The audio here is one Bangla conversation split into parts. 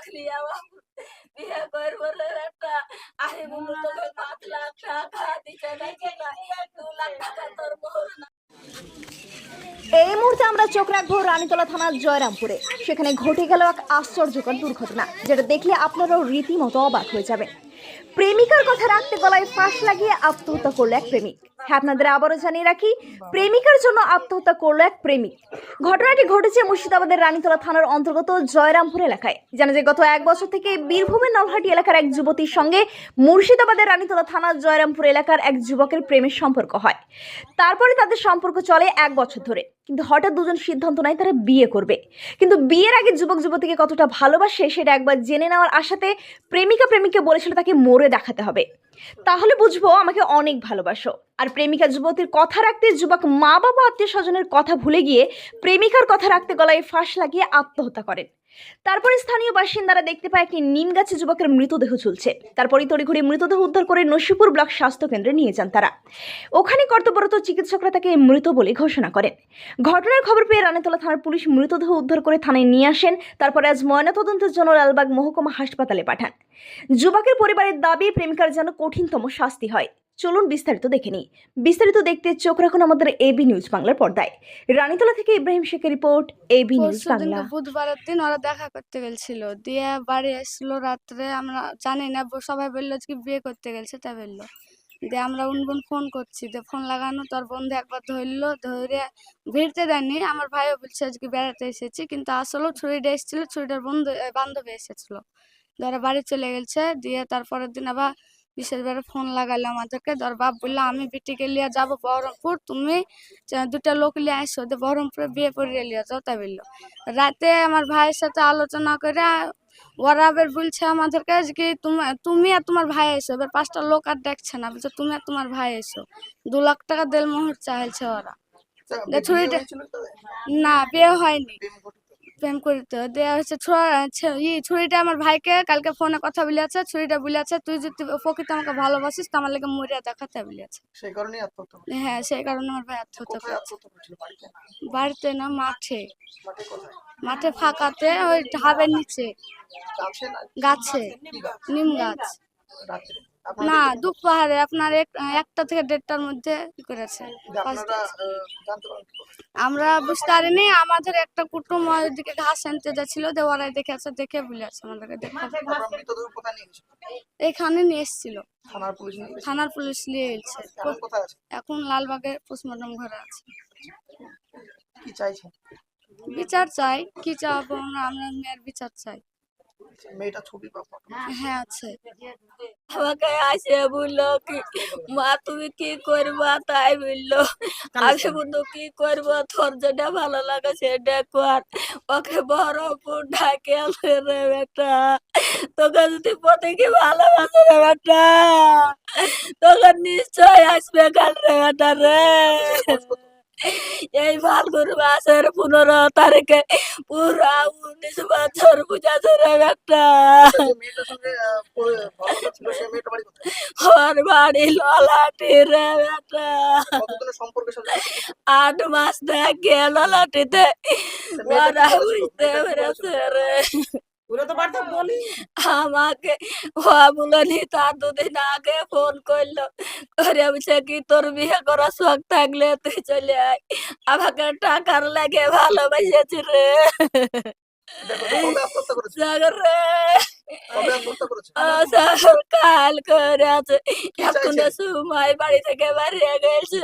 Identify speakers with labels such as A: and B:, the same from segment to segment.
A: রাখলি আমার বিয়ে করবো রে একটা। আমি বললো তোকে 5 লাখ টাকা দিতে নাকি না, 2 লাখ টাকা তোর মোহর না।
B: এই মুহূর্তে আমরা চোখ রাখবো রানীতলা থানার জয়রামপুরে। সেখানে ঘটে গেল এক আশ্চর্যকর দুর্ঘটনা, যেটা দেখলে আপনারাও রীতিমতো অবাক হয়ে যাবেন। প্রেমিকার কথা রাখতে গলায় ফাঁস লাগিয়ে আত্মহত্যা করলো এক প্রেমিক। হ্যাঁ, আপনাদের আবারও জানিয়ে রাখি, প্রেমিকার জন্য আত্মহত্যা করলো এক প্রেমিক। ঘটনাটি ঘটেছে মুর্শিদাবাদের রানীতলা থানার অন্তর্গত জয়রামপুর এলাকায়। জানা যায়, গত 1 বছর থেকে বীরভূমের নলহাটি এলাকার এক যুবতীর সঙ্গে মুর্শিদাবাদের রানীতলা থানার জয়রামপুর এলাকার এক যুবকের প্রেমের সম্পর্ক হয়। তারপরে তাদের সম্পর্ক চলে 1 বছর ধরে। কিন্তু হঠাৎ দুজন সিদ্ধান্ত নেয় তারা বিয়ে করবে। কিন্তু বিয়ের আগে যুবক যুবতীকে কতটা ভালোবাসে সেটা একবার জেনে নেওয়ার আশাতে প্রেমিককে বলেছিল তাকে মরে দেখাতে হবে, তাহলে বুঝবো আমাকে অনেক ভালোবাসো। আর প্রেমিকা যুবতীর কথা রাখতে যুবক মা বাবা আত্মীয় স্বজনের কথা ভুলে গিয়ে প্রেমিকার কথা রাখতে গলায় ফাঁস লাগিয়ে আত্মহত্যা করেন। তারপরে স্থানীয় বাসিন্দারা দেখতে পায় একটি নিম গাছে যুবকের মৃতদেহ ঝুলছে। তারপরে তড়িঘড়ি মৃতদেহ উদ্ধার করে নসিপুর ব্লক স্বাস্থ্য কেন্দ্রে নিয়ে যান তারা। ওখানে কর্তব্যরত চিকিৎসকরা তাকে মৃত বলে ঘোষণা করেন। ঘটনার খবর পেয়ে রানীতলা থানার পুলিশ মৃতদেহ উদ্ধার করে থানায় নিয়ে আসেন। তারপরে আজ ময়নাতদন্তের জন্য লালবাগ মহকুমা হাসপাতালে পাঠান। যুবকের পরিবারের দাবি প্রেমিকার যেন কঠিনতম শাস্তি হয়। চলুন বিস্তারিত দেখে নিই। বিস্তারিত দেখতে চোখ রাখুন আমাদের এবি নিউজ বাংলার পর্দায়। রানীতলা থেকে ইব্রাহিম শেখের রিপোর্ট, এবি নিউজ বাংলা।
C: বুধবারের দিন ওরা দেখা করতে গেছিল, দিয়ে বাড়ি আসলো রাত্রে। আমরা জানি না, সবাই বললো যে বিয়ে করতে গেছে, তা বললো। দিয়ে আমরা উনগুন ফোন করছি, দিয়ে ফোন লাগানো তোর বন্ধু একবার ধরলো, ধরে ভিড়তে দেয়নি। আমার ভাইও বলছে আজকে বেড়াতে এসেছি, কিন্তু আসলেও ছুরিটা এসেছিল, ছুরিটার বান্ধবী এসেছিল। ধরে বাড়ি চলে গেছে। দিয়ে তারপরের দিন আবার বিশেষভাবে ফোন লাগালো আমাদেরকে। ধর বাপ বললো আমি বিটিকে লিয়ে যাবো বহরমপুর, তুমি 2টা লোক লিয়ে আসো, বহরমপুরে বিয়ে পড়িয়ে লিয়ে যাও, তাই বললো। রাতে আমার ভাইয়ের সাথে আলোচনা করে ওরা আবার বলছে আমাদেরকে কি তুমি আর তোমার ভাই এসো। এবার 5টা লোক আর দেখছে না, বলছে তুমি আর তোমার ভাই এসো। 2 লাখ টাকা দেড় মোহর চাইছে ওরা। ছুরিটা না, বিয়ে হয়নি, প্রেম করতে দেওয়া হচ্ছে। ছুরিটা আমার ভাইকে কালকে ফোনে কথা বলেছে। ছুরিটা বলেছে তুই যদি প্রকৃত আমাকে ভালোবাসিস তো আমার লেগে মরিয়া দেখাতে বলেছে। হ্যাঁ, সেই কারণে আমার ভাই আত্মহত্যা করেছে। বাড়িতে না, মাঠে। মাঠে ফাঁকাতে, ওই ঢাবের নিচে গাছে, নিম গাছ। না, দুপুরে আপনার 1টা থেকে 1:30টার মধ্যে করেছে। আমরা বুঝতে পারিনি। আমাদের একটা কুটুম ওইদিকে ঘাস আনতে যাচ্ছিল, ওরাই দেখেছে, দেখে বলেছে আমাদেরকে এখানে নিয়ে এসেছিল। থানার পুলিশ নিয়ে এসেছে। এখন লালবাগে পোস্টমর্টম ঘরে আছে। বিচার চাই। কি চাবো আমরা মেয়ের বিচার চাই। হ্যাঁ, আছে।
A: আমাকে আসে বললো কি মা তুমি কি করবা, তাই বললো। আমি বললো কি করবো, তোর যেটা ভালো লাগে সেটা কর। ওকে বহরমপুর ঢাকে আনলে রে বেটা, তোকে যদি প্রত্যেকে ভালোবাসে রে বেটা, তোকে নিশ্চয় আসবে কাল রে বেটা রে। এই ফাল্গুন মাসের 15 তারিখে পুরা 19 বছর বুঝাছে রে বেটা। ওর বাড়ি ললাটি রে বেটা। 8 মাস থেকে ললাটিতে ওরা বুঝতে পেরেছে রে। আমাকে বলনি, তার 2 দিন আগে ফোন করলো করে বলছে কি তোর বিয়ে করার শখ থাকলে তুই চলে আয়, আমাকে টাকার লাগে ভালোবাসেছি রে। কাল করে আছে, এখন সময় বাড়ি থেকে বাড়িয়ে গেছে।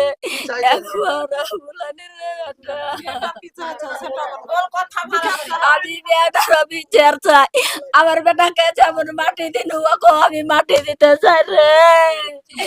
A: আমি বেটার বিচার চাই। আমার বেটাকে যেমন মাটি দিন আমি মাটি দিতে চাই রে।